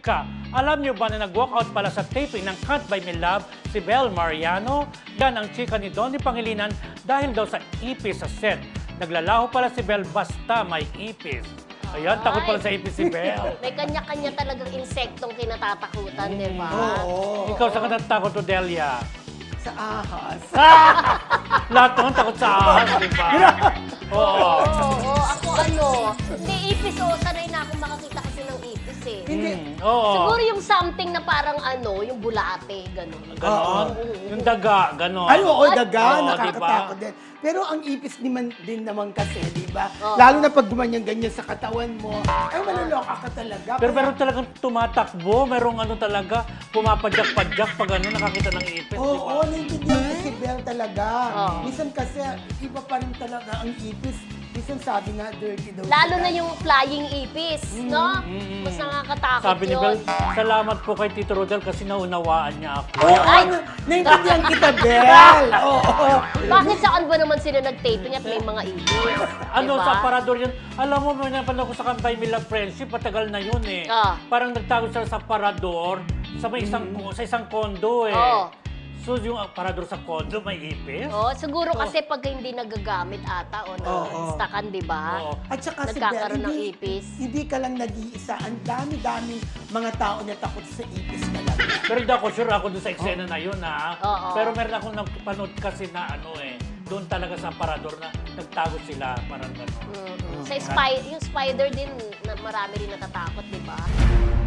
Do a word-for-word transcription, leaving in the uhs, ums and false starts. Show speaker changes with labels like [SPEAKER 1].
[SPEAKER 1] chika. Alam niyo ba na nag-walkout pala sa taping ng Can't Buy Me Love si Bel Mariano? Yan ang chika ni Donnie Pangilinan dahil daw sa ipis sa set. Naglalaho pala si Bel basta may ipis. Ayan, takot pala sa ipis si Bel.
[SPEAKER 2] May kanya-kanya talagang insektong kinatatakutan, di ba?
[SPEAKER 3] Oo.
[SPEAKER 1] Ikaw sa kanatakot, Odelia.
[SPEAKER 3] Sa ahas.
[SPEAKER 1] Lahat naman takot sa ahas, di ba? Oo.
[SPEAKER 2] Oo, oo, ako ano, hindi ipis, oo, sanay na akong makakita kasi ng ipis eh.
[SPEAKER 3] Hindi.
[SPEAKER 1] Mm, oo.
[SPEAKER 2] Siguro yung something na parang ano, yung bulate, gano'n.
[SPEAKER 1] Ganon. Yung daga, ganon.
[SPEAKER 3] Ay, oo, daga,
[SPEAKER 1] Oo,
[SPEAKER 3] nakakatakot
[SPEAKER 1] diba?
[SPEAKER 3] din. Pero ang ipis naman, din naman kasi, di ba?
[SPEAKER 2] Oo.
[SPEAKER 3] Lalo na pag gumanyan-ganyan sa katawan mo, ay maloloka ka talaga.
[SPEAKER 1] Pero
[SPEAKER 3] Kaya-
[SPEAKER 1] meron talagang tumatakbo, merong ano talaga, pumapadyak-padyak pag ano, nakakita ng ipis,
[SPEAKER 3] Oo,
[SPEAKER 1] di ba?
[SPEAKER 3] oo, naiintindihan ko si Bel talaga.
[SPEAKER 2] Oo.
[SPEAKER 3] Minsan kasi, iba pa rin talaga ang ipis. Minsan sabi nga, dirty daw.
[SPEAKER 2] Lalo
[SPEAKER 3] sila.
[SPEAKER 2] na yung flying ipis, no?
[SPEAKER 1] mm.
[SPEAKER 2] Mas nakakatakot
[SPEAKER 1] Sabi ni Bel,
[SPEAKER 2] yun.
[SPEAKER 1] salamat po kay Tito Rodel kasi naunawaan niya ako.
[SPEAKER 3] Oo,
[SPEAKER 2] Ay!
[SPEAKER 3] ano, naiintindihan kita, Bel. Oo, oo.
[SPEAKER 2] Bakit saan ba naman sila nag-taping at may mga ipis?
[SPEAKER 1] Ano,
[SPEAKER 2] Diba?
[SPEAKER 1] sa aparador yun, alam mo, may napanood ko sa Kampay Mila Friendship, patagal na yun eh.
[SPEAKER 2] Ah.
[SPEAKER 1] Parang nagtago sila sa aparador, sa may isang, sa isang kondo eh.
[SPEAKER 2] Oo.
[SPEAKER 1] So yung aparador sa kondo, may ipis?
[SPEAKER 2] Oh, siguro kasi pag hindi nagagamit ata o
[SPEAKER 3] Oo.
[SPEAKER 2] na-stackan, di ba?
[SPEAKER 1] Oo.
[SPEAKER 3] At saka si Bel,
[SPEAKER 2] Nagkakaroon ng
[SPEAKER 3] hindi,
[SPEAKER 2] ipis.
[SPEAKER 3] hindi ka lang nag-iisa. Ang dami-daming mga tao na takot sa ipis talaga.
[SPEAKER 1] Pero hindi ako sure ako dun sa eksena na yun ha.
[SPEAKER 2] Oo.
[SPEAKER 1] Pero meron akong napanood kasi na ano eh, doon talaga sa aparador na nagtago sila, parang gano'n.
[SPEAKER 2] Mm-mm. Sa spy, yung spider din, na marami rin natatakot, di ba?